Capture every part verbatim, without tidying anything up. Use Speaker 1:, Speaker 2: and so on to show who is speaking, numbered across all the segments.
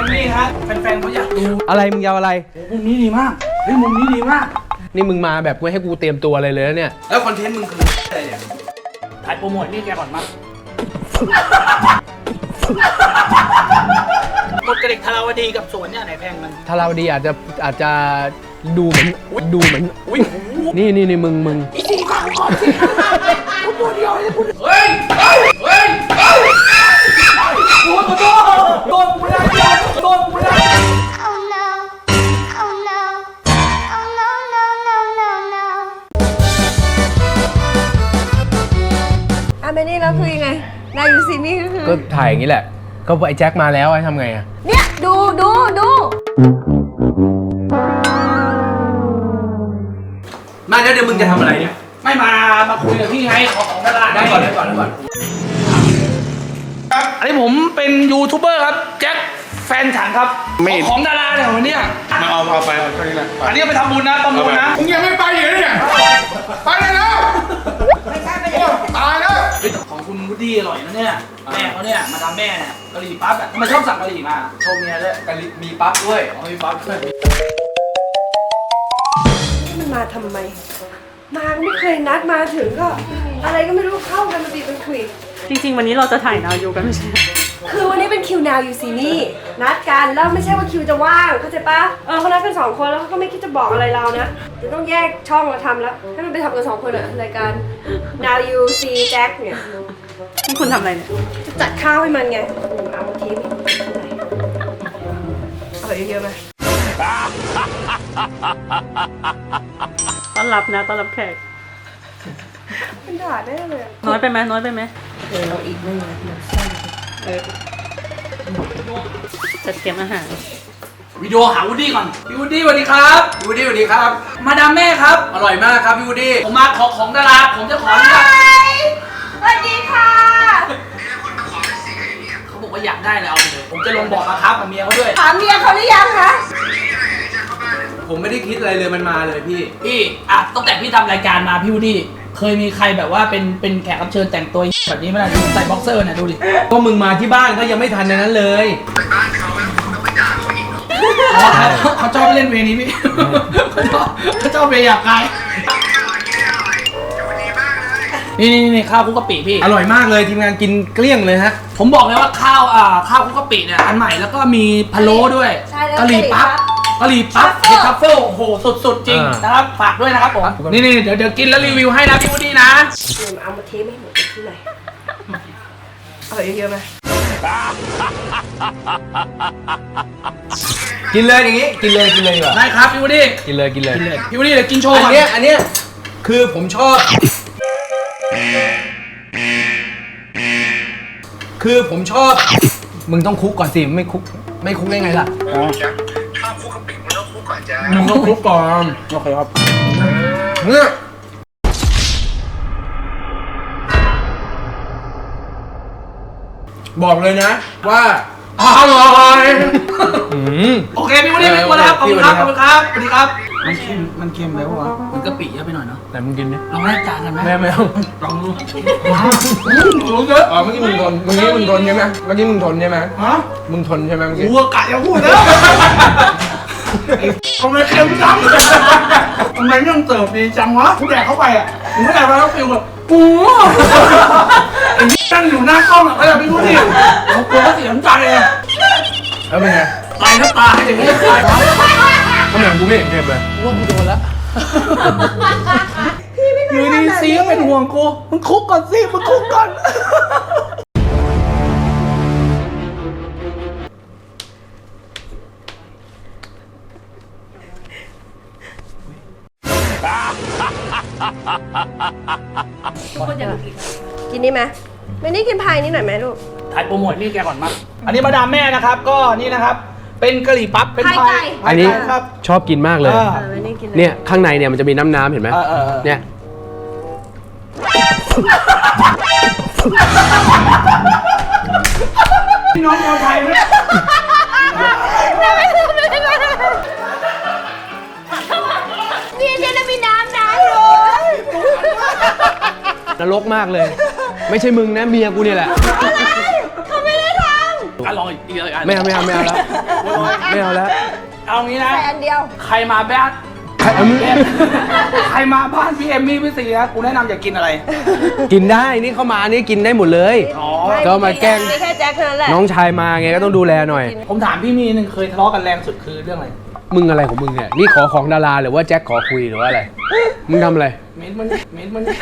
Speaker 1: กันนี่ฮะแฟนๆเขาอยากดู
Speaker 2: อะไรมึงยาวอะไร
Speaker 1: มุมนี้ดีมากเฮ้ยมุมนี้ดีมาก
Speaker 2: นี่มึงมาแบบไม่ให้กูเตรียมตัวอะไรเลยเนี่ย
Speaker 1: แล้วคอนเทนต์มึงคืออะไรเนี่ยถ่ายโปรโมทนี่แกก่อนมั้งหมดกระเด็กทาราวดีกับสวนเนี่ยไหนแพงมัน
Speaker 2: ถ้าเราดีอาจจะอาจจะดูเหมือนดูเหมือนนี่นี่นี่มึงมึง
Speaker 1: อีสี่ข้าวก่อนสิพูดเดียวเลยพูดเฮ้ยเฮ้ยเฮ้ยเฮ้ยโดนโดนโดนกูได้โดนกูได้
Speaker 3: Oh no, oh no, oh no, no, no, no, no.
Speaker 4: อ่ะเมนี่แล้วคือยังไงนายยูซีนี่ก็คือ
Speaker 2: ก็ถ่ายอย่างนี้แหละ ก็ไอ้แจ็คมาแล้วไอ้ทำไงอะ
Speaker 4: เนี่ยดูดูดู
Speaker 2: มาแล้วเดี๋ยวมึงจะทำอะไรเนี่ย
Speaker 1: ไม่มามาคุยกับพี่ไงขอของดาราได้ก่อนได้ก่อนได้ก่อนอันนี้ผมเป็นยูทูบเบอร์ครับแจ็คแฟนฉันครับของดาราเนี่ยวันนี้
Speaker 5: มาเอาเอาไปเอาเท่านี้แหละ
Speaker 1: อันนี้ไปทำบุญนะประมูลนะ
Speaker 5: มึงยังไม่ไปอยู่เลยเนี่ยไปได้แล้วโอ้ตายแล้ว
Speaker 1: ของคุณวูดดี้อร่อยนะเนี่ยแม่เขาเนี่ยมาทำแม่เนี่ยกะหรี่ปั๊บอ่ะทำไมชอบสั่งกะหรี่มาโชว์เมียด้วยกะหรี่มีปั๊บด้วยอ๋อมีปั๊บด้วย
Speaker 4: มันมาทำไมมาไม่เคยนัดมาถึงก็ อะไรก็ไม่รู้เข้ากันมาตีเป็นคุย
Speaker 6: จริงๆวันนี้เราจะถ่ายนาวยูกันไม่ใช่
Speaker 4: คือวันนี้เป็นคิวนาวยูซีนี่นัดกันแล้วไม่ใช่ว่าคิวจะว่างเข้าใจปะเออเขานัดกันสองคนแล้วเขาก็ไม่คิดจะบอกอะไรเรานะเดี๋ยวต้องแยกช่องมาทำแล้วให้มันไปทำกันสองคนอะรายการ Now You See Jack เนี่ย
Speaker 6: นี่คุณทำอะไรเนี่ย
Speaker 4: จะจัดข้าวให้มันไงเอามาทีนี้เอาเยอะๆไหม
Speaker 6: ต้อนรับนะต้อนรับแขก
Speaker 4: มันด่าได้เลยอะ
Speaker 6: น้อยไปไหมน้อยไปไหม
Speaker 4: เออเราอีกไม่นะ
Speaker 6: เออจัดเตรียมอาหาร
Speaker 1: วิดีโอหาวูดดี้ก่อนพี่วูดดี้สวัสดีครับพี่วูดดี้สวัสดีครับ มาดามแม่ครับอร่อยมากครับพี่วูดดี้ผมมาขอของดาราผมจะขออนุญาต
Speaker 4: สวัสดีค่ะ
Speaker 1: เขาบอกว่าอยากได้เลยเอาไปเลยผมจะลงบอกราคากับเมียเขาด้วย
Speaker 4: ถามเมียเขาหรือยังคะ
Speaker 2: ผมไม่ได้คิดอะไรเลยมันมาเลยพี่
Speaker 1: พี่อ่ะตั้งแต่พี่ทำรายการมาพี่วูดดี้เคยมีใครแบบว่าเป็นเป็นแขกรับเชิญแต่งตัวแบบนี้ไหมล่ะใส่บ็อกเซอร์น่ะดูดิ
Speaker 2: ก็มึงมาที่บ้านก็ยังไม่ทันในนั้นเลย
Speaker 1: อ๋อเขาเขาชอบเล่นเวนี้พี่เขาชอบเขาชอบเวย์อยากกายนี่นี่นี่ข้าวคลุกกะปิพี่
Speaker 2: อร่อยมากเลยทีมงานกินเกลี้ยงเลยฮะ
Speaker 1: ผมบอกเลยว่าข้าวอ่าข้าวคลุกกะปิเนี่ยอันใหม่แล้วก็มีพะโล้ด้วย
Speaker 4: ใช่แล้ว
Speaker 1: กะหรี่ปั๊บกะหรี่ปั๊บเห็ดทัฟเฟิลโอ้โหสุดๆจริง
Speaker 2: อ่าน
Speaker 1: นะครับฝากด้วยนะครับผมนี่นี่เดี๋ยวเดี๋ยวกินแล้วรีวิวให้นะพี่วูดดี้นะ
Speaker 4: เดี๋ยวเอามาเทไม่หมดที่ไหนเอาเยอะๆไหม
Speaker 2: กินเลยอย่างงี้กินเลยกินเลยดีกว่า
Speaker 1: ได้ครับพี่วูดดี้
Speaker 2: กินเลยกินเลย
Speaker 1: กินเลยพี่วูดดี้เดี๋ยวกินโชว์
Speaker 2: อั
Speaker 1: ก่อน
Speaker 2: นเนี้ยอันเนี้ยคือผมชอบ คือผมชอบ มึงต้องคุกก่อนสิไม่คุกไม่คุกได้ไงล่ะ
Speaker 5: ข้าวคุกกะปิมันต้องคุกก่อนจ้า
Speaker 2: มึงต้องคุกก่อนโอเคครับเนี่ยบอกเลยนะว่าอร่อยอืม
Speaker 1: โอเคพี่วูดดี้ไม่กลัวแล้วครับขอบคุณครับขอบคุณครับสวัสดีครับมันเค็มมันเค็มแล้ววะมันกะปิเยอะไปหน่อยเนาะ
Speaker 2: ไหนมึงกินดิ
Speaker 1: ลองแลกจานกันไหม
Speaker 2: แม่แมว
Speaker 1: ลองดู
Speaker 2: รู้เยอะอ๋อเมื่อกี้มึงทนเมื่อกี้มึงทนใช่ไหมเมื่อกี้มึงทนใช่ไหม
Speaker 1: ฮะ
Speaker 2: มึงทนใช่ไหมเมื่อกี้
Speaker 1: วัวกะอย่าพูดนะทำไมเค็มจังทำไมเรื่องเติบดีจังวะกูแดกเข้าไปอ่ะมึงไม่ได้มาแล้วฟิลแบบกูไอ้ตั้งอยู่หน้ากล้องอ่ะเขาจะไม่รู้ดิผมกลัวเขาเสียใจอ่ะ
Speaker 2: แล้วเป็นไง
Speaker 1: ตายก็ตายอย่างนี้ตายครับ
Speaker 2: ก็เหมือนกูไม่เห็นเก็บเลย
Speaker 1: ว่ากูโดนแล้วอยู่ดีซีก็เป็นห่วงกูมึงคุกก่อนสิมึงคุกก่อน
Speaker 4: กินนี่ไหมไม่นี่กินพายนี่หน่อยไหมลูก
Speaker 1: ถ่ายโปรโมทนี่แกก่อนมั้งอันนี้มาดามแม่นะครับ ก็นี่นะครับ เป็นกะหรี่ปั๊บ เป็น
Speaker 4: พายไก่
Speaker 1: พา
Speaker 2: อั
Speaker 1: ย
Speaker 2: นนี้
Speaker 1: ไก่ครับ
Speaker 2: ชอบกินมากเลย
Speaker 1: เออ
Speaker 4: เออไม่นี่กินเลย
Speaker 2: เนี่ยข้างในเนี่ยมันจะมีน้ำน้ำๆเห็นไหม
Speaker 1: เออเออเออ
Speaker 2: เนี่ย
Speaker 1: พี่น้องชาวไทยไหม
Speaker 4: นี่เดี๋ยวจะมีน้ำนะลูก
Speaker 2: นรกมากเลย ไม่ใช่มึงนะเมียกูเนี่ยแหละ
Speaker 4: เขาไม่ได้ทำ
Speaker 1: อ่ะลองอีกอีกอัน
Speaker 2: ไม่เอาไม่เอาไม่เอาแล้วไม่เอาแล้ว
Speaker 1: เอางี้นะ
Speaker 4: ใส่อันเดียว
Speaker 1: ใครมาบ้าน
Speaker 2: ใครเอามึง
Speaker 1: ใครมาบ้านพี่เอมมี่พี่ซีนะกูแนะนำอย่ากินอะไร
Speaker 2: กินได้นี่เข้ามานี่กินได้หมดเลย
Speaker 1: อ๋อ
Speaker 2: ก็มาแกล้ง
Speaker 4: มีแค่แจ็คเท่านั้นแหละ
Speaker 2: น้องชายมาไงก็ต้องดูแลหน่อย
Speaker 1: ผมถามพี่มีหนึ่งเคยทะเลาะกันแรงสุดคือเรื่องอะไร
Speaker 2: มึงอะไรของมึงเนี่ยนี่ขอของดาราหรือว่าแจ็คขอคุยหรือว่าอะไรมึงทำอะไร
Speaker 1: เม้นมันเม้นมัน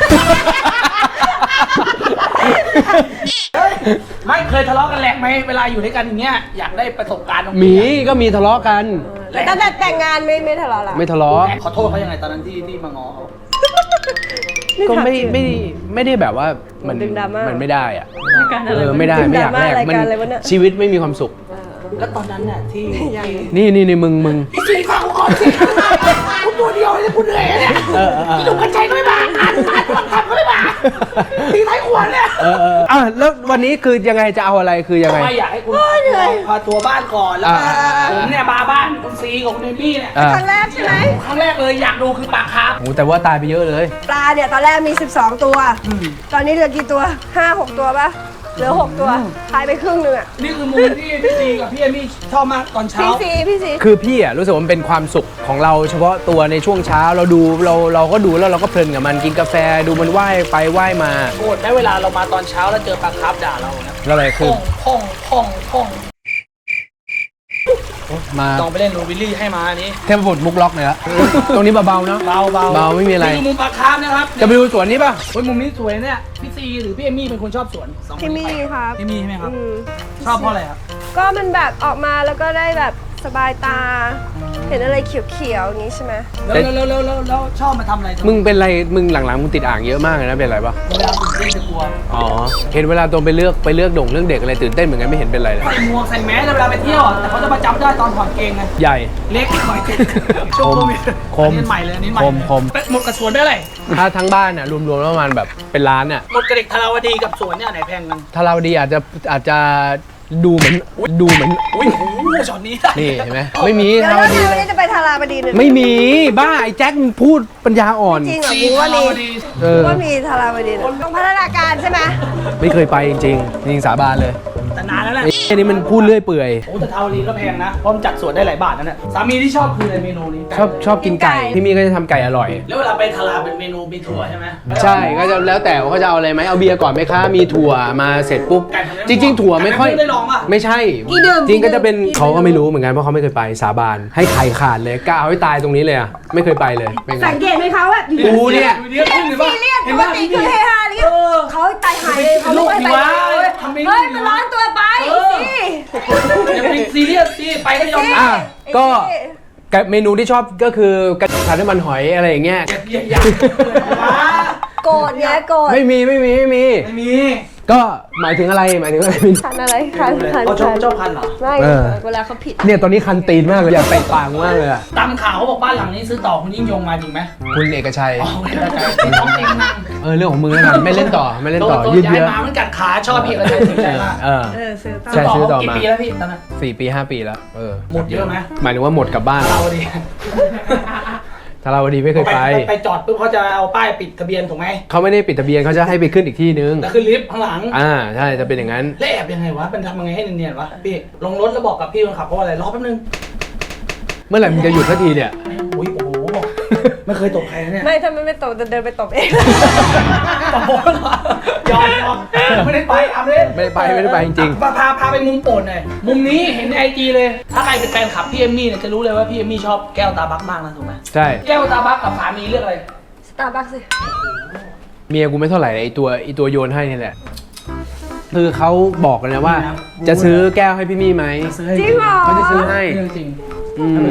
Speaker 1: ไม่เคยทะเลาะกันแรงไหมเวลาอยู่ด้วยกันอย่างเงี้ยอยากได้ประสบการณ์ตรง
Speaker 2: หมี
Speaker 1: นี้
Speaker 2: ก็มีทะเลาะกัน
Speaker 4: แต่ตั้งแต่แต่งงานไม่ไม่ทะเลาะละ
Speaker 2: ไม่ทะเลาะ
Speaker 1: ขอโทษเขายังไงตอนนั้นที่ที่มาง้อเขา
Speaker 2: ก็ไม่ไม่ไม่ได้แบบว่ามัน
Speaker 4: ดึงดราม่ามั
Speaker 2: มันไม่ได้อะ
Speaker 6: รายการอะไร
Speaker 2: เออ
Speaker 6: วะ
Speaker 2: ไม่ได้ไม่อยากแลก
Speaker 4: ราย
Speaker 2: มั
Speaker 4: การอะไรวะเนี่ย
Speaker 2: ชีวิตไม่มีความสุข
Speaker 1: แล้วตอนนั้นน่ะที่
Speaker 2: นี่นี่นี่มึงมึง
Speaker 1: พี่ซีฟังกูก่อนสิกูตัวเดียวเลยกูเหนื่อยเนี่ย
Speaker 2: เออเออเออ
Speaker 1: พี่หนุ่มกัญชัยก็ไม่มาอ่านอ่านฟังคำก็ไม่มาตีท้ายขวานเนี่ย
Speaker 2: เออเอออ่ะแล้ววันนี้คือยังไงจะเอาอะไรคือยังไง
Speaker 1: ไม่อยากให้คุณพาตัวบ้านก่อนแล้วก็
Speaker 2: อ่า
Speaker 1: ผมเนี่ยมาบ้านคุณซีกับคุณเอมี่เนี่ย
Speaker 2: อ่ะ
Speaker 4: ครั้งแรกใช่ไหม
Speaker 1: ครั้งแรกเลยอยากดูคือปลาคาร์ฟ
Speaker 2: โอ้แต่ว่าตายไปเยอะเลย
Speaker 4: ปลาเนี่ยตอนแรกมี สิบสอง ตัว ตอนนี้เหลือกี่ตัว ห้า หก ตัวปะเหลือ หก ตัวหายไปครึ่งหนึงอ่ะ
Speaker 1: นี่คือมุมที่พี่ซีกับพี่เอมี่ชอบมากตอนเช้า
Speaker 4: พี่ซีพี่ซี
Speaker 2: คือพี่อ่ะรู้สึกว่ามันเป็นความสุขของเราเฉพาะตัวในช่วงเช้าเราดูเราเราก็ดูแล้วเราก็เพลินกับมันกินกาแฟดูมันว่ายไปว่ายมา
Speaker 1: โกรธได้เวลาเรามาตอนเช้าแล้วเจอปลาคาร์ฟด่าเรานะ
Speaker 2: ก็เลยคือ
Speaker 1: พ่องพ่องพ่องพ่อง
Speaker 2: มา
Speaker 1: ลองไปเล่นโรบิลลี่ให้มาอันนี้
Speaker 2: เทพบุตรมุกล็อกเลยละตรงนี้เบาๆเนาะ
Speaker 1: เบาเบา
Speaker 2: เบาไม่มีอะไร
Speaker 1: นี่คือมุมปลาคาร์ฟนะครับ
Speaker 2: จะไปดูสวนนี้ป่ะ
Speaker 1: โอ้ยมุมนี้สวยเนี่ยพี่ซีหรือพี่เอมี่เป็นคนชอบสวนสองคน
Speaker 4: พี่
Speaker 1: นี้
Speaker 4: มี่ครับ
Speaker 1: พี่มี่ใช่ไหมครับ
Speaker 4: อืม
Speaker 1: ชอบเพราะอะไรครับ
Speaker 4: ก็มันแบบออกมาแล้วก็ได้แบบสบายตา เห็นอะไรเขียวๆอย่างนี้ใช่ไหม
Speaker 1: แล้วแล้วแล้วแล้วแล้วชอบมาทำอะไร
Speaker 2: มึงเป็นไรมึงหลังๆมึงติดอ่างเยอะมากเลยนะเป็นไรป่ะ
Speaker 1: เวลาตื่นเต้นจะกลัว
Speaker 2: อ๋อเห็นเวลาตรงไปเลือกไปเลือกด่งเรื่องเด็กอะไรตื่นเต้นเหมือนกันไม่เห็นเป็นไรเลย
Speaker 1: ใส่หมวกใส่แมสเวลาไปเที่ยวอะแต่เขาจะมาจำได้ตอนถอดเกงไง
Speaker 2: ใหญ่
Speaker 1: เล็กหน่อยช่วงโควิด
Speaker 2: คม
Speaker 1: อันนี้ใหม่เลยอันนี้ใหม่
Speaker 2: คมคม
Speaker 1: หมดกับสวนได้อะไร
Speaker 2: ถ้าทั้งบ้านอ่ะรวมๆแล้วประมาณแบบเป็นล้านอ่ะ
Speaker 1: หมดกับเด็กทาราวดีกับสวนเนี่ยไหนแพงกัน
Speaker 2: ถ้าเราดีอาจจะอาจจะดูเหมือนดูเหมือน
Speaker 1: อุ้ยโอ้โหช็อตนี้ได้
Speaker 2: นี่เห็นไหมไม่มี
Speaker 4: เดี๋ยว
Speaker 2: ทา
Speaker 4: แล้ว
Speaker 2: ดี
Speaker 4: เดี๋ยว
Speaker 2: เลย
Speaker 4: นี้จะไปทาราบดีเลย
Speaker 2: ไม่มีบ้าไอ้แจ็คมึงพูดปัญญาอ่อน
Speaker 4: จริงเหรอ
Speaker 1: ซี
Speaker 4: กูว่า
Speaker 1: ทา
Speaker 4: มี
Speaker 1: ราวดี
Speaker 2: เอ
Speaker 4: กู
Speaker 2: อ
Speaker 4: ว่ามีทาราบดีเลยต้องพัฒนาการใช่ไหม
Speaker 2: ไม่เคยไปจริงๆจริงสาบานเลย
Speaker 1: แต่นานแล้วแหละ
Speaker 2: ไอ้นี่มันพูดเรื่อยเปื่อย
Speaker 1: โอ้แต่ทาราวดีก็แพงนะเพราะมันจัดสวนได้หลายบาทนั่นแหละสามีที่ชอบคืออะไรเมนูนี้
Speaker 2: ชอบชอบกินไก่ที่มี่ก็จะทำไก่อร่อย
Speaker 1: แล้วเวลาไปทาราเป็นเมนูมีถั่วใช่ไหม
Speaker 2: ใช่ก็จะแล้วแต่ว่าเขาจะเอาอะไรไหมเอาเบียร์ก่อนไหมคะมีถั่วมาเสร็จปุ๊บจริง ๆ ถั่วไม่ค่อย
Speaker 1: ได้ลองป่ะ
Speaker 2: ไม่ใช่ จริงก็จะเป็นเขาก็ไม่รู้เหมือนกันเพราะเขาไม่เคยไปสาบานให้ไข่ขาดเลยกล้าเอาให้ตายตรงนี้เลยอ่ะไม่เคยไปเลยเป็นไง
Speaker 4: สังเกตไหมคะว่าอยู่
Speaker 2: กูเนี่ย
Speaker 1: เรียกขึ้นหรือเปล่า
Speaker 4: ซีเรียส
Speaker 1: เห็น
Speaker 4: ปก
Speaker 1: ป่ะ
Speaker 4: ติคือเฮฮาอะไรเงี้ยเขาตายหายเลยเขาไม่ไปไหนเลยเฮ้ยมันร้อนตัวไปสิ
Speaker 1: อย่าไปซีเรียสสิไปก็ยอม
Speaker 2: อ่ะก็กับเมนูที่ชอบก็คือกระผัดน้ำมันหอยอะไรอย่างเงี้ย
Speaker 1: อย่าอย่า
Speaker 4: โกรธเนี้ยโกรธ
Speaker 2: ไม่มีไม่มีไม่มี
Speaker 1: ไม่มี
Speaker 2: ก็หมายถึงอะไรหมายถึงอะไร
Speaker 4: คันอะไรคันคัน
Speaker 1: เขาชอบ
Speaker 4: คัน
Speaker 1: ชอบคันเหรอ
Speaker 4: ไม่
Speaker 2: เออ
Speaker 4: เวลาเขาผิด
Speaker 2: เนี่ยตอนนี้คันตีนมากเลยอยากเตะปากมากเลยอะ
Speaker 1: ตามข่าวเขาบอกบ้านหลังนี้ซื้อต่อคุณยิ่งยงมาจริงไหม
Speaker 2: คุณเอกชัย
Speaker 1: อ๋อไม่ได้ที่ท้องเองนั่ง
Speaker 2: เออเรื่องของมึงแล้วกันไม่เล่นต่อไม่เล่นต่อ
Speaker 1: โด
Speaker 2: ยืด
Speaker 1: ย้า
Speaker 2: เยื้
Speaker 1: ย
Speaker 2: อ
Speaker 1: มามันกัดขาชอบพี่กระชัยถึงใจมาก
Speaker 2: เออ
Speaker 4: เออซื้อต่อ
Speaker 2: ใช่ซื้อต่อ
Speaker 1: กี่
Speaker 2: มา
Speaker 1: ปีแล้วพี่ตอนนั้น
Speaker 2: สี่ปีห้าปีแล้วเออ
Speaker 1: หมดเยอะไหม
Speaker 2: หมายถึงว่าหมดกลับบ้าน
Speaker 1: เราดี
Speaker 2: ถ้าเราดีไม่เคยไป
Speaker 1: ไปจอดปุ๊บเขาจะเอาป้ายปิดทะเบียนถูกไหม
Speaker 2: เขาไม่ได้ปิดทะเบียนเขาจะให้ไปขึ้นอีกที่นึง
Speaker 1: แล้วขึ้นลิฟต์ข้างหลัง
Speaker 2: อ่าใช่จะเป็นอย่างนั้น
Speaker 1: แล้วแอบยังไงวะเป็นทำยังไงให้เนียนๆวะพี่ลงรถแล้วบอกกับพี่คนขับเพราะอะไรรอแป๊บนึง
Speaker 2: เมื่อไหร่มึงจะหยุดสักทีเนี่ย
Speaker 1: อุ้ยโอ้โหไม่เคยตบใครนะเนี่ย
Speaker 4: ไม่ถ้ามันไม่ตบจะเดินไปตบเอง
Speaker 1: ตบโป๊ะเหรอยอมยอมไม่ได้ไปอัพเล่น
Speaker 2: ไม่ได้ไปไม่ได้ไปจริง
Speaker 1: พาพาพาไปมุมโปรดหน่อยมุมนี้เห็นในไอจีเลย ถ้าใครเป็นแฟนคลับพี่เอมมี่เนี่ยจะรู้เลยว่าพี่เอมมี่ชอบแก้วตาบักมากนะถูกไหม
Speaker 2: ใช่
Speaker 1: แก้วตาบักกับสามีเลือกอะไร
Speaker 4: สตาร์บัคสิ
Speaker 2: เมียกูไม่เท่าไหร่ไอตัวไอตัวโยนให้นี่แหละคือเขาบอกกันนะว่า จะซื้อแก้วให้พี่มี่ไหม
Speaker 4: จริงเหรอ
Speaker 2: เขาจะซื้อให้
Speaker 1: เรื่องจริง
Speaker 2: อืม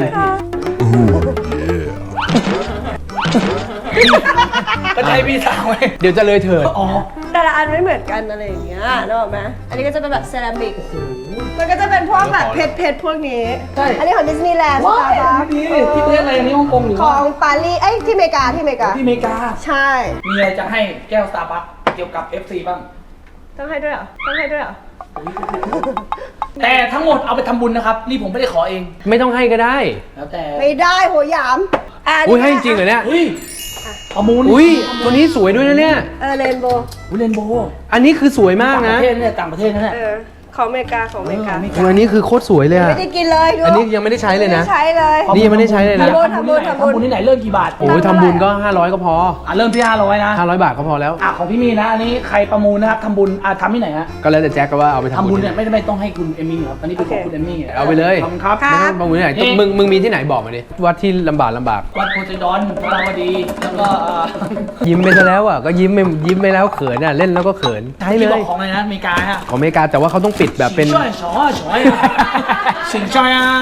Speaker 1: ก็ใช้พี่สาวไง
Speaker 2: เดี๋ยวจะเลยเถิด
Speaker 1: อ๋อ
Speaker 4: แต่ละอันไม่เหมือนกันอะไรอย่างเงี้ยนึกออกไหมอันนี้ก็จะเป็นแบบเซรามิกมันก็จะเป็นพวกแบบเพชรเพชรพวกนี้
Speaker 1: ใช่
Speaker 4: อันนี้ของดิสนีย์แลนด์ส
Speaker 1: ว้า
Speaker 4: ตาร์บัค
Speaker 1: ยนี่ที่ประเทศอะไรนี่ฮ่องกงหรือ
Speaker 4: ข
Speaker 1: ว่า
Speaker 4: องปารีสเอ้ยที่อเมริกาที่อเมริกา
Speaker 1: ที่อเมริกา
Speaker 4: ใช่
Speaker 1: มีอะไรจะให้แก้วสตาร์บัคเกี่ยวกับ เอฟ ซี บ้าง
Speaker 4: ต้องให้ด้วยเหรอต้องให้ด้วยเหรอ
Speaker 1: แต่ทั้งหมดเอาไปทำบุญนะครับ นี่ผมไม่ได้ขอเอง
Speaker 2: ไม่ต้องให้ก็ได้
Speaker 1: แล้วแต่
Speaker 4: ไม่ได้โหยามะ
Speaker 2: อุ้ยให้จริงเหรอเนี่ย
Speaker 1: เฮ้ยประมูล
Speaker 2: อุ้ยตัวนี้สวยด้วยนะเนี่ย
Speaker 4: เออเรนโบว์
Speaker 1: อุ้ยเรนโบว์
Speaker 2: อันนี้คือสวยมาก
Speaker 1: ต่างป
Speaker 2: นะ
Speaker 1: ระเทศเนี่ยต่างประเทศนั่นแหละ
Speaker 4: เออของอเมริกาของอเมริกา
Speaker 2: โอ้อันนี้คือโคตรสวยเลยอะ
Speaker 4: ไม่ได้กินเลยดู
Speaker 2: อันนี้ยังไม่ได้ใช้เลยนะ
Speaker 4: ไม่ได้ใช้เลย
Speaker 2: นี่ยังไม่ได้ใช้เลยนะ
Speaker 4: ทำบุญทำบุญทำบุญ
Speaker 5: ทำบุญที่ไหนเริ่มกี่บาท
Speaker 2: โอ้ยทำบุญก็ห้าร้อยก็พอ
Speaker 5: อ่ะเริ่มที่ห้าร้อยนะ
Speaker 2: ห้าร้อยบาทก็พอแล้ว
Speaker 5: อ่ะของพี่มีนะอันนี้ใครประมูลนะครับทำบุญอ่ะทำที่ไหนฮะ
Speaker 2: ก็แล้วแต่แจ็คก็ว่าเอาไปทำ
Speaker 5: ทำ
Speaker 2: บุ
Speaker 5: บุ
Speaker 2: ญ
Speaker 5: ญเนี่ยไม่ไม่ต้องให้คุณเอมมี่ครับตอนนี้เป็นของคุณเอมมี่
Speaker 2: เอาไปเลย
Speaker 5: ขอบคุณครับ
Speaker 2: ไม่ต้องประมูลที่ไหน
Speaker 5: เอ๊ะ
Speaker 2: มึงมึงมีที่ไหนบอกมาดิวัดที่ลำบากลำบาก
Speaker 5: วัดโพไซดอนพระราวดีแล้วก็เอ่อ
Speaker 2: ยิ้มไปซะแล้วอ่ะก็ยิ้มไม่ยิ้มไปแล้วเขินอ่ะเล่นแล้วก็เขินใช้เล
Speaker 5: ที่บอย กของอะไรนะอเมริกาฮะ
Speaker 2: ของอเมริกาแต่ว่าเขาต้องปิดแบบเป็น
Speaker 5: ช่วยช่วยช่วยสิงช่วยอ่ะ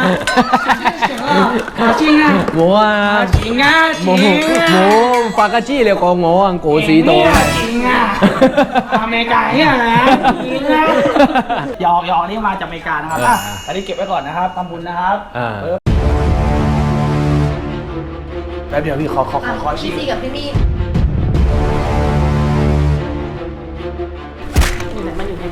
Speaker 5: จริงอ่ะ
Speaker 2: โมอ่ะ
Speaker 5: จริงอ่ะจ
Speaker 2: โม
Speaker 5: ริง
Speaker 2: โม
Speaker 5: อ่ะ
Speaker 2: ฟากาจิเรียกโงอังโกสีโต
Speaker 5: จริงอ่ะอเมริกาเนี่ยนะจริงอ่ะหยอกหยอกนี่มาจากอเมริกานะครับอ่ะอันนี้เก็บไว้ก่อนนะครับทำบุญนะครับ
Speaker 2: อ่า
Speaker 5: แป๊บเดียวพี่ขอขอขอขอชิ
Speaker 4: พี่
Speaker 5: ม
Speaker 4: ซีกับพี่มี่
Speaker 6: อยู่ไหนมันอยู่ไหน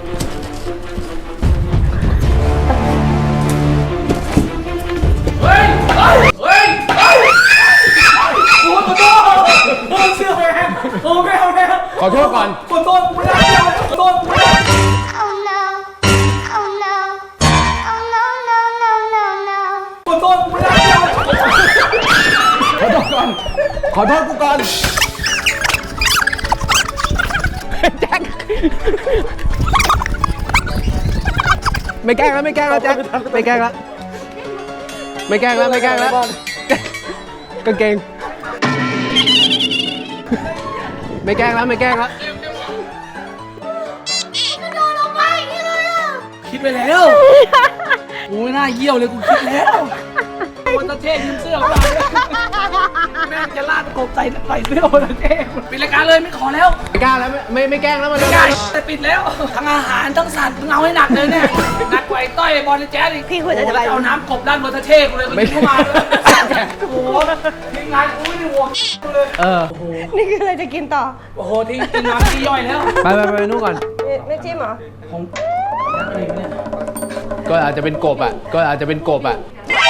Speaker 5: เฮ้ยเฮ้ยเฮ้ยเฮ้ยโอ้ขอโทษโอ้เชื่อแม่โอ้แม่แม่
Speaker 2: ขอโทษก่อน
Speaker 5: ขอโทษกูได้ขอโทษกูได้
Speaker 3: Oh no. Oh no. Oh no, no, no, no, no.
Speaker 5: ขอโทษกูได้
Speaker 2: ขอโทษก่อน ขอโทษกูก่อน แจ็ค ไม่แกล้งแล้วไม่แกล้งแล้วแจ็ค ไม่แกล้งแล้ว ไม่แกล้งแล้วไม่แกล้งแล้วกางเกง ไม่แกล้งแล้วไม่แกล้งแล้ว
Speaker 5: คิดไปแล้วกูไม่น่าเยี่ยวเลยกูคิดแล้ววันตะเท่ยืมเสื้อมาแม่งจะลาดกบใส่ใส่เสื้อวันตะเท่ปิดรายการเลยไม่ขอแล้ว
Speaker 2: ไม่กล้าแล้วไม่ไม่ไม่แกล้งแล้วมัน
Speaker 5: ไม่ได้แต่ปิดแล้วทั้งอาหารทั้งสัตว์มึงเอาให้หนักเลยเนี่ยหนักกว่าไอ้ต้อยบอลในแจ๊สอีก
Speaker 4: พี่ควรจะ
Speaker 5: โอ้
Speaker 4: จะ
Speaker 5: โห
Speaker 4: ไป
Speaker 5: แล้วเอาน้ำกบด้านบนตะเท่กูเลยไม่เข้ามาเลยโอ้โหทีมงานกูไม่ได้ห่วงกูเลย
Speaker 2: เออ
Speaker 4: นี่คืออะไรจะกินต่อ
Speaker 5: โอ้โหทีมทีมงานที่ย่อยแล้ว
Speaker 2: ไปไปไปนู่นก่อน
Speaker 4: ไม่ไม่จิ้มเหรอ
Speaker 5: ผมอะไรเนี่ย
Speaker 2: ก็อาจจะเป็นกบอ่ะ ก็อาจจะเป็นกบอ่ะ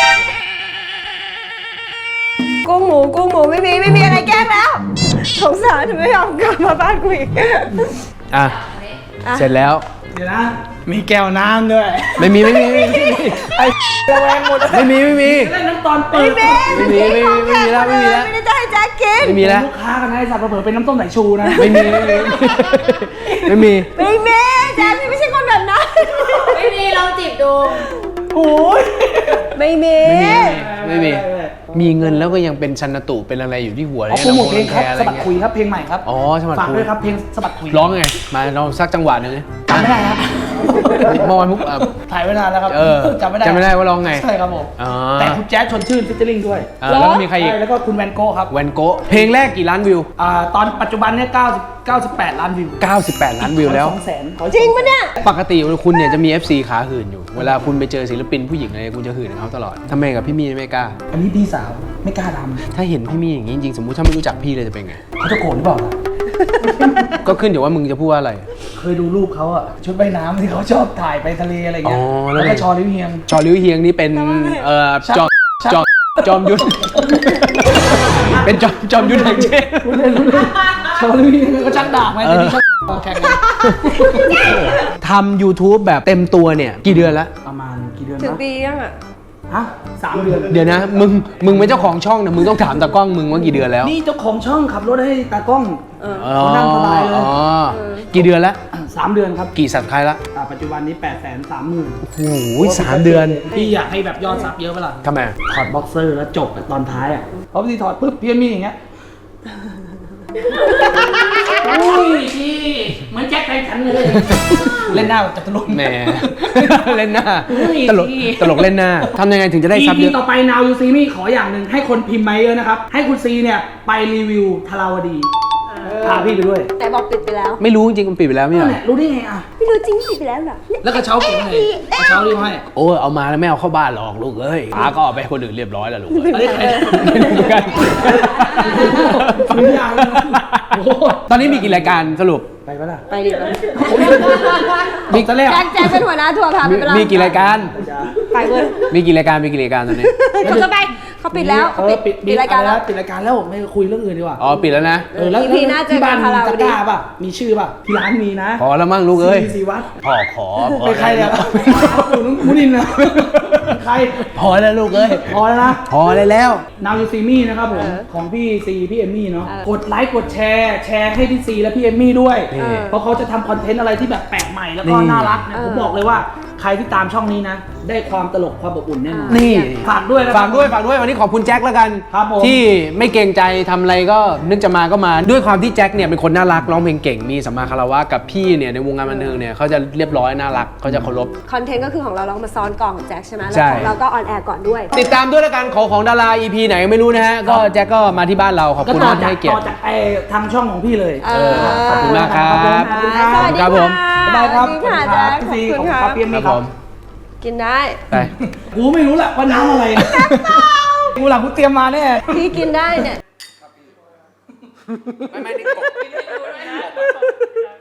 Speaker 4: กุ้งหมูกุ้งหมูไม่มีไม่มีอะไรแกล้งแล้วสงสารทำไมไม่ยอมกลับมาบ้านกูอีก
Speaker 2: อ่ะ
Speaker 4: อ่ะ
Speaker 2: เสร็จแล้ว
Speaker 5: เดี๋ยวนะ มีแก้วน้ำด้วย
Speaker 2: ไม่มีไม่มีไม่มี
Speaker 5: ไอ้ระแวงหมด
Speaker 2: ไม่มีไม่มี
Speaker 5: เล่นน้ำตอนเปิด
Speaker 2: ไม่มีไม่มีไม่มีแล้วไม่มีแล้ว
Speaker 4: ไม่ได้จะให้แจ็คกิน
Speaker 2: ไม่มีแล้ว
Speaker 5: ลูกค้ากันนะไอ้สัตว์เผลอๆเป็นน้ำต้มสายชูนะ
Speaker 2: ไม่มีไม่มีไม่มี
Speaker 4: ไม่มีแจ็คพี่ไม่ใช่คนแบบนั้น
Speaker 6: ไม่มีลองจีบดู
Speaker 5: โอ้ย
Speaker 4: ไม่มี
Speaker 2: ไม่มี มีเงินแล้วก็ยังเป็นชันตุเป็นอะไรอยู่ที่หัว
Speaker 5: เอาโปรโมทเพลงครับ
Speaker 2: อะไร
Speaker 5: สะบัด
Speaker 2: เงี้ย
Speaker 5: คุยครับเพลงใหม่ครับ
Speaker 2: อ๋อสะบัด
Speaker 5: ฝาก
Speaker 2: คุย
Speaker 5: ด้วยครับเพลงสะบัดคุย
Speaker 2: ร้องไง มาลองสักจังหวะหนึงดิ
Speaker 5: จำไม่ได้ครับ
Speaker 2: เมื่อวานมุกอ่ะ
Speaker 5: ถ่ายไว้นานแล้วครับ
Speaker 2: เออ
Speaker 5: จำไม่ได้
Speaker 2: จำไม่ได้ว่าร้องไง
Speaker 5: ใช่ครับผม
Speaker 2: อ๋อ
Speaker 5: แต่คุณแจ๊สชวนชื่นฟิชเชอร์ลิงด้วย
Speaker 2: อ่าแล้วก็มีใครอีก
Speaker 5: ช่แล้วก็คุณแวนโก้ครับ
Speaker 2: แวนโกะเพลงแรกกี่ล้านวิว
Speaker 5: อ่าตอนปัจจุบันเนี่ยเก้าสิบ เก้าสิบแปดล้านวิว
Speaker 2: เก้าสิบแปดล้านวิวแล้ว
Speaker 5: สองแสน
Speaker 4: จริงปะเนี่ย
Speaker 2: ปกติคุณเนี่ยจะมี เอฟ ซี ขาหื่นอยู่ เวลาคุณไปเจอศิลปินผู้หญิงอะไรคุณจะหื่นกับเขาตลอดทำไมกับพี่มี่ไม่กล้า
Speaker 5: อันนี้พี่สาวไม่กล้าท
Speaker 2: ถ้าเห็นพี่มี่อย่างนี้จริงๆสมมุติถ้าไม่รู้จักพี่เลยจะเป็นไง
Speaker 5: ำเขาจะโกรธหรือเปล่าล่ะ
Speaker 2: ก็ขึ้นอยู่ว่ามึงจะพูดว่าอะไร
Speaker 5: เคยดูรูปเขาอะชุดว่ายน้ำที่เขาชอบถ่ายไปทะเลอะไรเงี้ย
Speaker 2: อ๋อแล้
Speaker 5: แล้ว ว
Speaker 2: ไง
Speaker 5: ก็ชอลิวเฮียง
Speaker 2: ชอลิวเฮียงนี่เป็นเอ่อจอมจอมจอมยุทธ เป็นจอมจอมยุทธแห่งเชษ
Speaker 5: รู้เล่นรู้เล่นชอลิวเฮียงก็ชักดาบไหมแต่นี่ชักแข่งกัน
Speaker 2: ทำ YouTube แบบเต็มตัวเนี่ย กี่เดือนละ
Speaker 5: ประมาณกี่เดือน
Speaker 4: ถึง
Speaker 5: นะ
Speaker 4: ปียังอ่ะ
Speaker 5: ฮะสามเดือน
Speaker 2: เดี๋ยวนะ มึง มึงเป็นเจ้าของช่องเนี่ยมึงต้องถามตากล้องมึงว่ากี่เดือนแล้ว
Speaker 5: นี่เจ้าของช่องขับรถให้ตากล้อง
Speaker 2: อ๋อ
Speaker 5: เขานั่งสบายเลย
Speaker 2: อ๋อกี่เดือนละ
Speaker 5: สามเดือนครับ
Speaker 2: กี่สับใครละ
Speaker 5: อ่าปัจจุบันนี้แปดแสนสามหมื่น
Speaker 2: โอ้โหสามเดือน
Speaker 5: พี่อยากให้แบบยอดซับเยอะเปะล่า
Speaker 2: ทำไม
Speaker 5: ถอดบ็อกเซอร์แล้วจบอะตอนท้ายอ่ะเพราะบางทีถอดปุ๊บพี่มีอย่างเงี้ยอุ้ยพี่เหมือนแจ็คไททันเลย เล่นหน้าแบบจตุรงค์
Speaker 2: แหม เล่นหน้า
Speaker 5: อุ้ย
Speaker 2: ตลก ตลกเล่นหน้าทำยังไงถึงจะได้ซับเย
Speaker 5: อี
Speaker 2: อะ
Speaker 5: ต่อไป Now You See Me ขออย่างหนึ่งให้คนพิมพ์มาเยอะนะครับ ให้คุณซีเนี่ยไปรีวิวทาราวดีพาพี่ไปด้วย
Speaker 4: แต่บอกปิดไปแล้ว
Speaker 2: ไม่รู้จริงๆมันปิดไปแล้วไม่ใช่เหรอ
Speaker 5: เนี่ยรู้ได้ไงอ่ะ
Speaker 4: ไม่รู้จริงปิดไปแล้วเหรอ
Speaker 5: แล้วกระเช้าเก็บไว้ไหนกระเช้ารีบให้
Speaker 2: โอ้ยเอามาแล้วไม่เอาเข้าบ้านหรอกลูกเอ้ยป้าก็เอาไปให้คนอื่นเรียบร้อยแล้วลูกเอ้ย
Speaker 5: อันนี้ใคร
Speaker 2: ไม่รู้เหมือนกัน
Speaker 5: ฟังยากเลยโอ้โห
Speaker 2: ตอนนี้มีกี่รายการสรุป
Speaker 5: ไปปะล่ะ
Speaker 4: ไปดิไป
Speaker 5: มีตะแรก
Speaker 4: แจ็คแจ็คเป็นหัวหน้าทัวร์พาไป
Speaker 2: มี
Speaker 4: เปล่า
Speaker 2: มีกี่รายการ
Speaker 4: ไปเว้ย
Speaker 2: มีกี่รายการมีกี่รายการตอนนี้
Speaker 4: เขาจะไปเขาปิดแล้ว
Speaker 5: เอ
Speaker 4: เขา
Speaker 5: อ
Speaker 4: ปิด
Speaker 5: ปิด
Speaker 4: ปิดรายการ
Speaker 5: อะไ
Speaker 4: แล้ว
Speaker 5: ปิดรายการแล้วไม่คุยเรื่องอื่นดีกว่า
Speaker 2: อ๋อปิดแล้วนะ
Speaker 5: เออแล้ว
Speaker 4: อี พีหน้าเจอ
Speaker 5: ที่
Speaker 4: กั
Speaker 5: บ้าน น
Speaker 4: คา
Speaker 5: มี
Speaker 4: รา
Speaker 5: ตะ
Speaker 4: ว
Speaker 5: ก
Speaker 4: ดี
Speaker 5: ร้าป่ะมีชื่อป่ะที่ร้านมีนะ
Speaker 2: พอแล้วมั่งลูกเอ้ย
Speaker 5: ซีซีวัด
Speaker 2: พ่อขอพอ
Speaker 5: เป็นใครเนี่ยมุนินนะใคร
Speaker 2: พอแล้วลูกเอ้ย
Speaker 5: พอแล้วนะ
Speaker 2: พอเลยแล้ว
Speaker 5: Now You See Me นะครับผม
Speaker 4: เออ
Speaker 5: ของพี่ซีพี่เอมมี่เนาะ
Speaker 4: เออ
Speaker 5: กดไลค์กดแชร์แชร์ให้พี่ซีและพี่เอมมี่ด้วย
Speaker 2: นี่
Speaker 5: เพราะเขาจะทำคอนเทนต์อะไรที่แบบแปลกใหม่แล้วก็
Speaker 2: นี่
Speaker 5: น่ารักนะ
Speaker 4: เออ
Speaker 5: ผมบอกเลยว่าใครที่ตามช่องนี้นะ ได้ความตลกความอบอุ่นแน่นอน
Speaker 2: นี่
Speaker 5: ฝากด้วยนะ
Speaker 2: ฝากด้วยฝากด้วยวันนี้ขอบคุณแจ็คแล้วกัน
Speaker 5: ครับผม
Speaker 2: ที่ไม่เกรงใจทำอะไรก็นึกจะมาก็มาด้วยความที่แจ็คเนี่ยเป็นคนน่ารักร้องเพลงเก่งมีสัมมาคารวะกับพี่เนี่ยในวงการบันเทิงเนี่ยเขาจะเรียบร้อยน่ารักเขาจะเคารพ
Speaker 4: คอนเทนต์ก็คือของเราเราก็มาซ้อนกล่องของแจ็คใช่ไหม
Speaker 2: ใช่
Speaker 4: แล้วของเราก็ออนแอร์ก่อนด้วย
Speaker 2: ติดตามด้วยแล้วกันของของดารา อี พี ไหนไม่รู้นะฮะก็แจ็คก็มาที่บ้านเราขอบ
Speaker 5: ก็
Speaker 2: คุณ
Speaker 5: ต่อ
Speaker 2: มากที่
Speaker 5: จาก
Speaker 2: ให้เกียร
Speaker 5: ต่อ
Speaker 2: ติ
Speaker 5: จากไอ้ทางช่องของพี่เลย
Speaker 4: เออ
Speaker 2: ขอบคุณมากครับ
Speaker 5: ขอบคุณครับ
Speaker 4: สวัสดี
Speaker 2: ครับผม
Speaker 4: ค่ะ
Speaker 5: บ๊ายบายครับ
Speaker 4: สวัสดีค่ะแจ็ค
Speaker 5: พี่
Speaker 4: ข
Speaker 5: ซี
Speaker 4: อบคุณ
Speaker 5: ขอบคุณ
Speaker 4: ค
Speaker 5: ค
Speaker 4: รั
Speaker 5: รับบ พี่เอม
Speaker 2: ครั
Speaker 5: มี่
Speaker 2: บ
Speaker 5: ค
Speaker 2: ผ
Speaker 5: รับ
Speaker 2: ม
Speaker 4: กินได้
Speaker 2: ไป
Speaker 5: กูไม่รู้แหละว่าน้ำอะไรกูหลังกูเตรียมมาแน่
Speaker 4: พี่กินได้เนี่ย
Speaker 2: ไม่ไม่นี่กบ